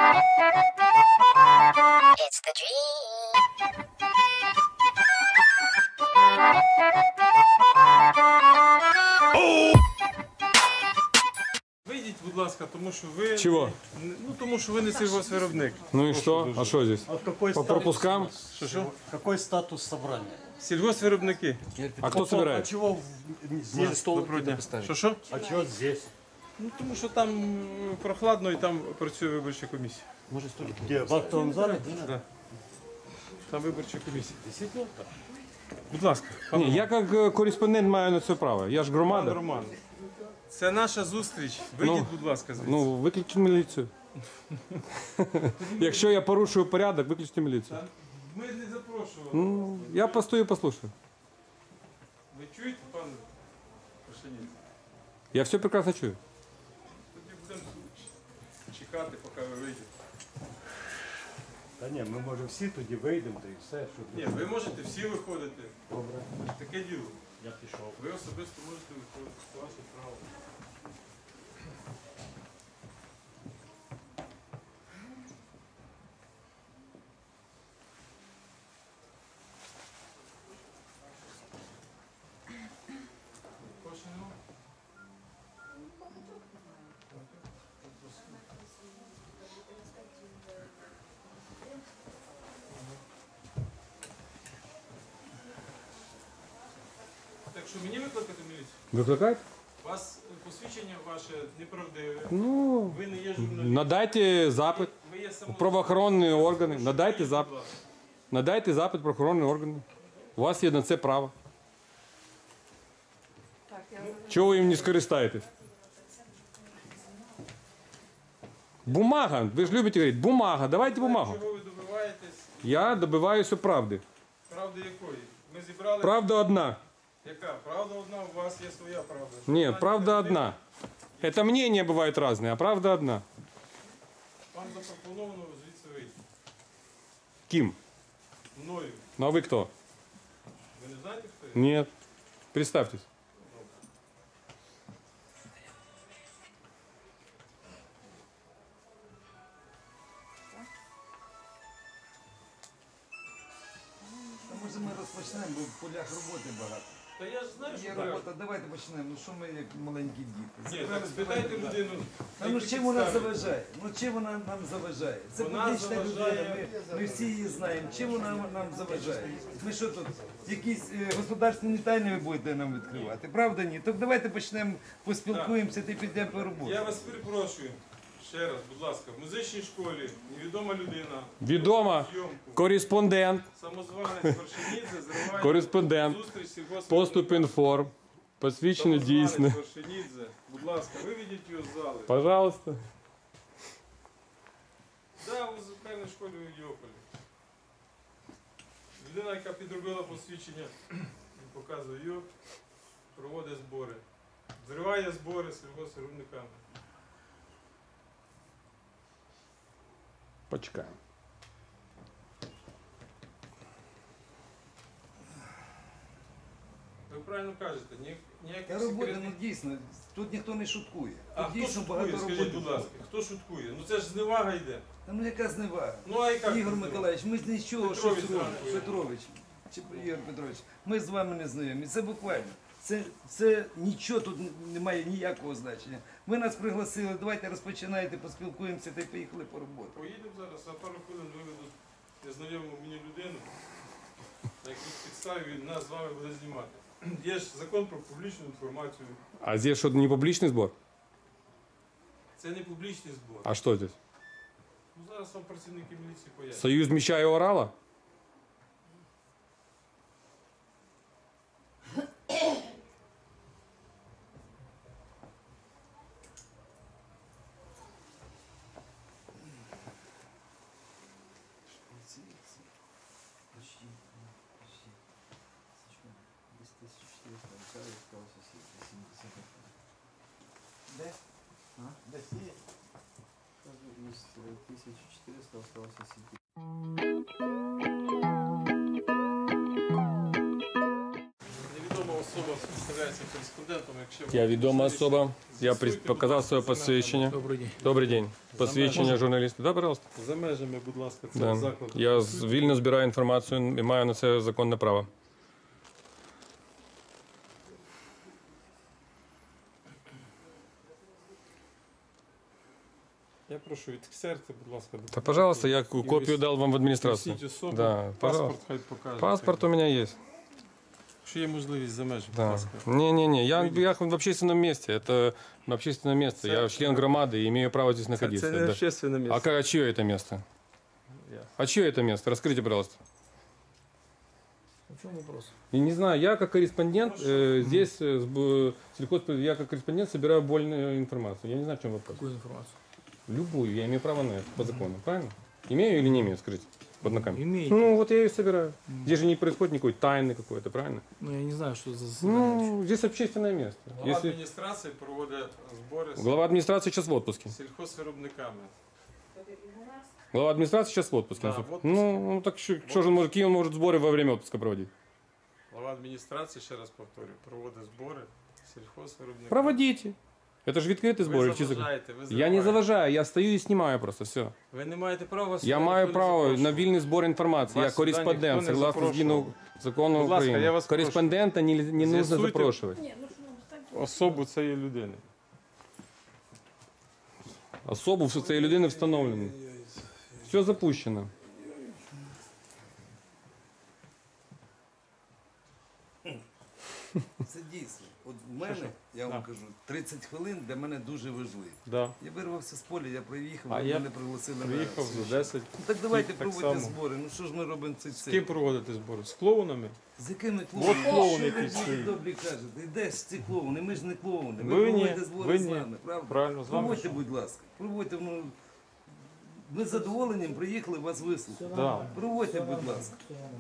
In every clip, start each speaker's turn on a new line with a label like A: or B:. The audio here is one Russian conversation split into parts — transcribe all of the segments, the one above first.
A: It's the dream.
B: Вийдіть, будь ласка, тому що ви...
C: Чего?
B: Ну, тому що ви не сільгоспвиробник.
C: Ну и что? А что здесь?
D: Какой
C: По пропускам?
D: Какой статус собрания?
B: Сільгоспвиробники.
C: А кто
D: А
C: собирает?
D: чего здесь?
B: Доброго дня. Що?
D: А чего здесь?
B: Ну, тому що там прохладно і там працює виборча комісія.
D: Где? В актовом зале?
B: Да. Там виборча комісія. Будь ласка, пан
C: Ні, я як кореспондент маю на це право. Я ж громада.
B: Роман. Це наша зустріч. Вийдіть, будь ласка, звідси.
C: Ну, виключіть міліцію. Якщо я порушую порядок, виключіть міліцію.
B: Ми не запрошували.
C: Ну, я постою і послушаю.
B: Ви чуєте, пан Пашиніць?
C: Я все прекрасно чую.
B: Тоді будемо чекати, поки ви вийдете.
D: Та ні, ми може всі тоді вийдемо, та і все.
B: Ні, ви можете всі виходити.
D: Добре,
B: Таке діло.
D: я пішов.
B: Ви особисто можете виходити. Це ваше право. Кошено? Так що мені викликати міліцію?
C: Викликають?
B: У вас посвідчення ваше неправдиве.
C: Ну,
B: Ви не є журналіст.
C: надайте запит.
B: Ви є
C: У правоохоронні органи. Надайте
B: Будь
C: запит.
B: ласка.
C: Надайте запит в правоохоронні органи. У вас є на це право. Чого ви їм не скористаєтесь? Бумага. Ви ж любите говорити. Бумага. Давайте бумагу.
B: Чого ви добиваєтесь?
C: Я добиваюся правди.
B: Правди якої? Ми зібрали...
C: Правда одна.
B: Яка? Правда одна, у вас є своя правда.
C: Ні, правда одна. Это мнения бывают разные, а правда одна.
B: Вам запропоновано звідси вийти.
C: Ким?
B: Мною.
C: Ну а вы кто?
B: Ви не знаєте, хто я?
C: Нет. Представьтесь.
E: Може ми розпочнемо, бо в полях роботи багато.
B: Та я ж знаю, що
E: Є
B: так.
E: робота, давайте почнемо. Ну що ми як маленькі діти?
B: Ні, так спитайте людину.
E: Та ну
B: які
E: чим вона
B: підстави.
E: заважає? Ну чим вона нам заважає? Це
B: Вона
E: публічна
B: заважає-
E: людина, ми всі її знаємо. Чим вона нам заважає? Ми що тут, якісь государственні тайни ви будете нам відкривати? Правда ні? Так давайте почнемо, поспілкуємося та підемо по роботі.
B: Я вас перепрошую. Ще раз, будь ласка, в музичній школі невідома людина.
C: Відома.
B: Зйомку.
C: Кореспондент.
B: Самозванець Вершинідзе зриває
C: Кореспондент.
B: зустріч сільгоспвиробника.
C: Поступ інформ. Посвідчено
B: Самозванець
C: дійсне.
B: Вершинідзе. Будь ласка, виведіть його з зали.
C: Пожалуйста.
B: Да, в музикальній школі у Ідіополі. Людина, яка підробила посвідчення, він показує його, проводить збори. Зриває збори з сільгоспвиробниками.
C: Почекаємо.
B: Ви правильно кажете, ніяких
E: Та робота,
B: секретних...
E: ну дійсно, тут ніхто не шуткує.
B: А
E: Тут
B: хто
E: дійсно
B: шуткує,
E: багато
B: скажіть,
E: роботи.
B: будь ласка, хто шуткує? Ну це ж зневага йде.
E: Та ну яка зневага?
B: Ну а яка?
E: Ігор
B: зневага?
E: Миколаївич, ми з нічого
B: Петрович
E: щось робимо.
B: зранку.
E: Петрович, чи Ігор Петрович, ми з вами не знайомі. Це буквально. Це нічого тут немає ніякого значення. Ви нас пригласили, давайте розпочинайте, поспілкуємося та й поїхали по роботі.
B: Поїдемо зараз, а пару хвилин виведуть незнайому мені людину, на якій підставі він нас з вами буде знімати. Є ж закон про публічну інформацію.
C: А здесь что, не публичный сбор?
B: Це не публічний збор.
C: А что здесь?
B: Ну зараз вам працівники міліції пояснять.
C: Союз меча и орала?
E: Де? Де сіє?
F: 1400 осталось 7.
B: Невідома особа представляється кореспондентом, якщо
C: Я відома
B: можливість,
C: особа. Я
B: з'ясуйте, будь
C: показав
B: ласка,
C: своє
B: за межами.
C: посвідчення.
G: Добрый день.
C: Добрий день. Посвідчення журналіста. Да, пожалуйста.
B: За межами, будь ласка, це
C: Да.
B: заклад.
C: Я вільно збираю інформацію і маю на це законне право.
B: Я прошу, відксерте, будь ласка.
C: Та, пожалуйста, я копію дав вам в адміністрацію.
B: Просіть особу,
C: Да,
B: паспорт хай покаже.
C: Паспорт у меня есть.
B: Якщо є можливість за межами, будь
C: Да.
B: ласка.
C: Не-не-не, я в общественном месте. Это общественное место. Я член громады и имею право здесь находиться.
B: Це не
C: Да.
B: общественне місце.
C: А чье это место? А чье это место? Раскройте, пожалуйста.
G: В чем вопрос?
C: И не знаю, я как корреспондент здесь, я как корреспондент собираю больную информацию. Я не знаю, в чем вопрос.
G: Какую информацию?
C: Любую, я имею право на это по закону, правильно? Имею или не имею, скажите, под ногами?
G: Имеете.
C: Ну, вот я ее собираю. Здесь же не происходит никакой тайны какой-то, правильно?
G: Ну, я не знаю, что за заседание.
C: Ну, здесь общественное место.
B: Голова
C: Если...
B: адміністрації проводить збори з
C: Глава администрации сейчас в отпуске.
B: сільхозвиробниками.
C: Глава администрации сейчас в отпуске.
B: Да, в отпуске.
C: Ну, так что же он может, какие он может сборы во время отпуска проводить?
B: Голова адміністрації, ще раз повторюю, проводить збори сільхозвиробниками.
C: Проводите. Это же відкритый сбор.
B: Ви заважаєте, ви
C: Я не
B: зриваєте.
C: заважаю, я стою и снимаю просто, все.
B: Ви не маєте права...
C: Я маю право на вільний збор інформації. Я
B: Вас сюди
C: кореспондент,
B: ніхто не
C: согласно
B: запрошував.
C: закону
B: Будь ласка,
C: України.
B: я вас прошу.
C: Кореспондента не нужно
B: З'ясуйте.
C: запрошувати.
B: Особу цієї людини.
C: Особу цієї людини встановлено. Все запущено.
E: Це дійсно. От в мене, я вам кажу, 30 хвилин для мене дуже важливі.
B: Да.
E: Я вирвався з поля, я приїхав,
B: А
E: ви
B: я
E: мене пригласили на
B: Приїхав за
E: совіщання.
B: 10.
E: Ну, так давайте
B: так
E: проводьте
B: само.
E: збори. Ну що ж ми робимо цей
B: З ким
E: цирк?
B: проводити збори? З клоунами?
E: З якими
B: От
E: клоунами?
B: клоун,
E: Що
B: який
E: ви
B: стоїть.
E: добрі кажете? Де ж ці клоуни? Ми ж не клоуни.
B: Ви
E: Ви
B: ні,
E: проводите збори
B: ви
E: з
B: ні.
E: нами, правда?
B: Правильно, з вами.
E: Проводьте, будь ласка. Проводьте, ну, ми з задоволенням приїхали вас вислухати.
B: Да.
E: Проводьте, будь ласка.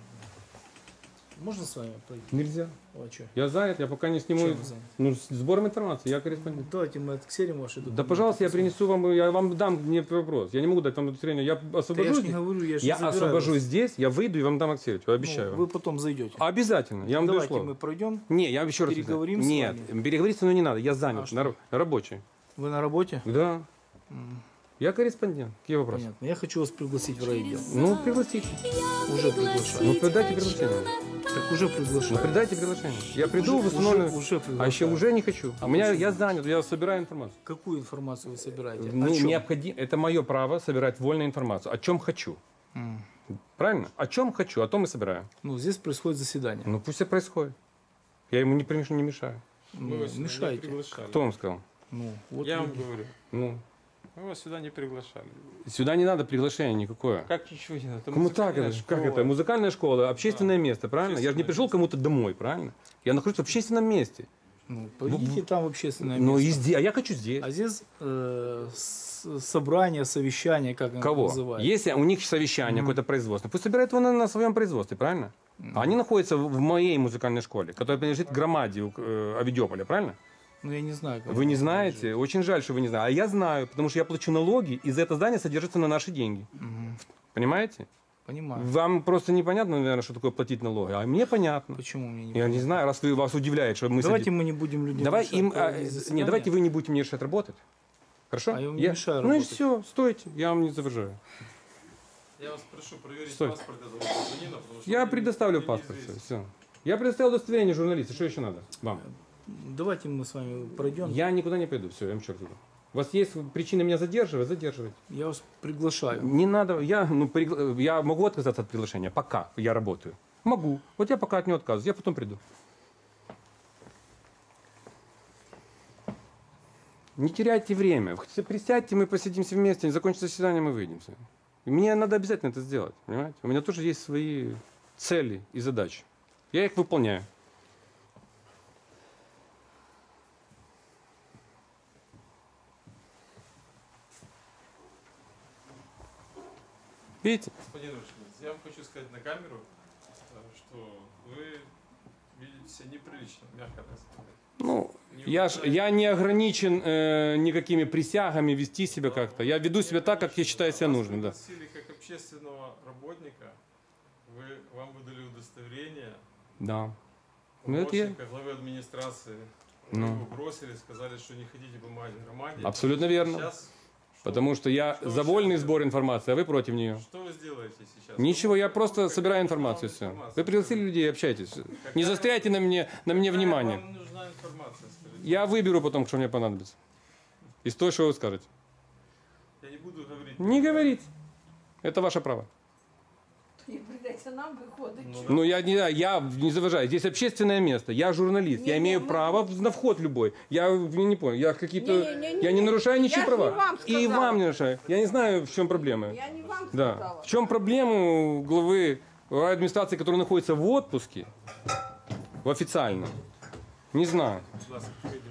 G: Можно с вами пройти?
C: Нельзя.
G: А что?
C: Я занят, я пока не сниму.
G: Чем вы заняты?
C: Ну, с сбором информации, я корреспондент.
G: Давайте мы отксерим ваши документы.
C: Да, пожалуйста, я принесу вам, я вам дам не вопрос. Я не могу дать вам удостоверение. Я
G: Да я
C: освобожусь.
G: ж не говорю, я же
C: Я
G: забираю
C: освобожусь
G: вас.
C: здесь, я выйду и вам дам аксерить. Обещаю.
G: Ну,
C: вам.
G: вы потом зайдете.
C: Обязательно. Я вам даю
G: Давайте
C: слово.
G: мы пройдем.
C: Не, я еще раз.
G: Переговорим с
C: Нет,
G: вами?
C: переговорить со мной не надо. Я занят,
G: А что?
C: рабочий.
G: Вы на работе?
C: Да. Я корреспондент. Какие вопросы?
G: Понятно. Я хочу вас пригласить в райотдел.
C: Ну, пригласите.
G: Уже приглашаю.
C: Ну, придайте приглашение.
G: Так уже
C: Ну,
G: приглашаю.
C: придайте приглашение. Я приду,
G: Уже-
C: восстановлю.
G: уже
C: А
G: приглашаю.
C: еще уже не хочу.
G: А
C: У меня,
G: почему?
C: я занят, я собираю информацию.
G: Какую информацию вы собираете?
C: Ну,
G: О чем?
C: необходимо, это мое право собирать вольную информацию. О чем хочу. Правильно? О чем хочу, о том и собираю.
G: Ну, здесь происходит заседание.
C: Ну, пусть это происходит. Я ему не мешаю.
G: Ну,
B: Мы вас сюда не
G: мешаете.
B: приглашали.
C: Кто вам сказал?
G: Ну, вот
B: Я
G: вы-
B: вам говорю.
C: Ну,
B: Мы вас сюда не приглашали.
C: сюда не надо приглашения никакое.
B: Как ничего не надо?
C: Кому так это? Как это? Музыкальная школа, общественное место, правильно? Я же не
B: Общественное
C: пришел кому-то домой, правильно? Я нахожусь в общественном месте.
G: Ну, пойдите там в общественное
C: Ну,
G: место.
C: и здесь, а я хочу здесь.
G: А здесь собрание, совещание, как оно
C: Кого?
G: называется.
C: Если у них совещание, какое-то производство, пусть собирают его на своем производстве, правильно? А они находятся в моей музыкальной школе, которая принадлежит громаде Авидиополя, правильно?
G: Ну, я не знаю. Как
C: Вы не
G: это
C: знаете? Очень жаль, что вы не знаете. А я знаю, потому что я плачу налоги, и за это здание содержится на наши деньги.
G: Мгм.
C: Понимаете?
G: Понимаю.
C: Вам просто непонятно, наверное, что такое платить налоги, а мне понятно.
G: Почему мне не
C: Я не знаю, раз вас удивляет, что мы
G: Давайте
C: сидим.
G: мы не будем людям
C: Давай
G: мешать
C: им,
G: проводить
C: нет,
G: заседание.
C: давайте вы не будете мне мешать работать. Хорошо?
G: А я вам не мешаю
C: Ну и
G: работать.
C: все, стойте, я вам не заважаю.
B: Я вас прошу проверить
C: Стой.
B: паспорт этого гражданина, потому что
C: Я
B: мне
C: предоставлю
B: не
C: паспорт.
B: известно.
C: Все. Я предоставил удостоверение журналиста. Что еще надо вам?
G: Давайте мы с вами пройдем.
C: Я никуда не пойду. Все, я вам черт иду. У вас есть причины меня задерживать? Задерживайте.
G: Я вас приглашаю.
C: Не надо. Я могу отказаться от приглашения, пока я работаю. Могу. Вот я пока от него отказываюсь. Я потом приду. Не теряйте время. Присядьте, мы посидимся вместе, закончится заседание, мы выйдемся. И мне надо обязательно это сделать. Понимаете? У меня тоже есть свои цели и задачи. Я их выполняю. Видите?
B: Господин Рушевец, я вам хочу сказать на камеру, что вы видите себя неприлично, мягко так сказать.
C: Ну,
B: Не
C: я не ограничен никакими присягами вести себя как-то. Я веду себя так, как я считаю себя нужным. Да.
B: Вас пригласили как общественного работника, вам выдали удостоверение,
C: Да. Ну, это я.
B: помощника главы администрации.
C: Ну.
B: Его бросили, сказали, что не хотите помогать громаде.
C: Абсолютно верно.
B: Сейчас,
C: Потому что я
B: Что вы
C: за вольный
B: сейчас
C: сбор информации, а вы против нее.
B: что вы сделаете сейчас?
C: Ничего, я
B: Ну,
C: просто
B: какая
C: собираю
B: вам
C: информацию, все.
B: информация?
C: Вы пригласили людей, общайтесь. Не застряйте на мне
B: Какая
C: внимание.
B: Вам нужна информация, скажите.
C: Я выберу потом, что мне понадобится. Из того, что вы скажете.
B: Я не буду говорить.
C: Не говорите. Это ваше право.
H: І прийдеться нам виходить.
C: Ну, я не заважаю. Здесь общественное место. Я журналист. Я имею право на вход любой. Я не понял. Я какие-то...
H: Не-не-не-не.
C: Я не нарушаю ничьи
H: Я ж
C: права.
H: не вам
C: И
H: сказала.
C: вам не нарушаю. Я не знаю, в чем проблема.
H: Я не вам
C: Да.
H: сказала.
C: В чем проблема у главы администрации, который находится в отпуске, в официальном? Не знаю.
B: Будь ласка, вийдіть.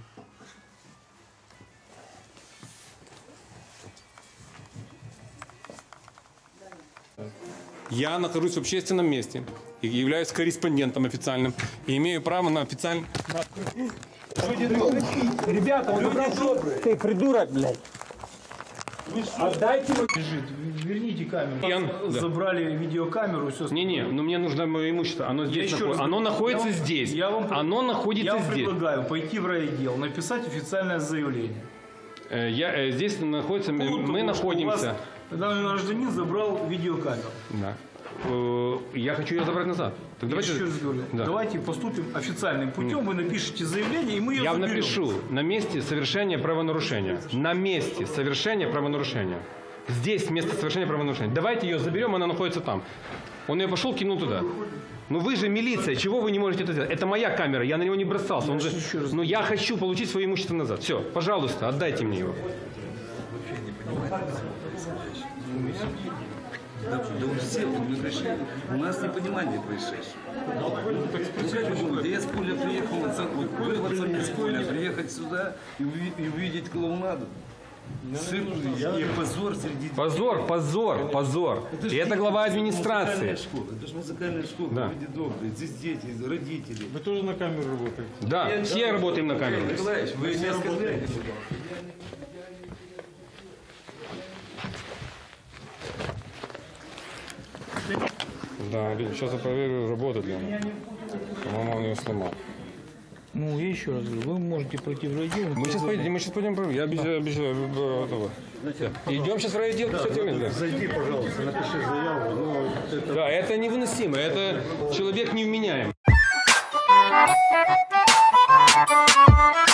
C: Я нахожусь в общественном месте и являюсь корреспондентом официальным и имею право на официальный... Ребята, он забрал Ты придурок, блядь. Отдайте мне...
G: Верните камеру.
C: Да.
G: Забрали видеокамеру, все.
C: Не-не, но мне нужно мое имущество. Оно здесь
G: еще раз
C: находится. Оно
G: говорю,
C: находится
G: я вам-
C: здесь.
G: я вам-
C: Оно находится
G: Я вам
C: здесь.
G: предлагаю пойти в райотдел, написать официальное заявление.
C: Здесь находится...
G: По поводу
C: Мы
G: того, что у
C: находимся...
G: вас Данный гражданин забрал видеокамеру.
C: Да. Я хочу ее забрать назад. Так
G: Я
C: давайте...
G: еще раз говорю,
C: Да.
G: давайте поступим официальным путем, вы напишите заявление, и мы ее
C: Я
G: заберем.
C: напишу на месте совершения правонарушения. На месте совершения правонарушения. Здесь место совершения правонарушения. Давайте ее заберем, она находится там. Он ее пошел, кинул туда. Ну вы же милиция, чего вы не можете это сделать? Это моя камера, я на него не бросался. Он же... Но я хочу получить свое имущество назад. Все, пожалуйста, отдайте мне его.
E: Да у всех мы пришли. У нас непонимание происшедшего. Ну как вы думаете, я с поля приехал, вырваться мне с поля, приехать сюда и увидеть клоунаду? Цирк и позор среди...
C: Позор. И это глава администрации.
E: Это же музыкальная школа,
C: Да.
E: люди добрые, здесь дети, родители.
B: Вы тоже на камеру работаете?
C: Да, все работаем на камеру.
E: Николаевич, вы не оскорбляете?
C: Да, сейчас я проверю, работает ли она. По-моему, он ее сломал.
G: Ну, я еще раз говорю, вы можете пройти в райотдел.
C: Мы сейчас пойдем проверим. Я обещаю этого. Идем сейчас в райотдел 50 да.
D: Зайди, пожалуйста, напиши заяву. Ну,
C: Да, это невыносимо. Это человек невменяем.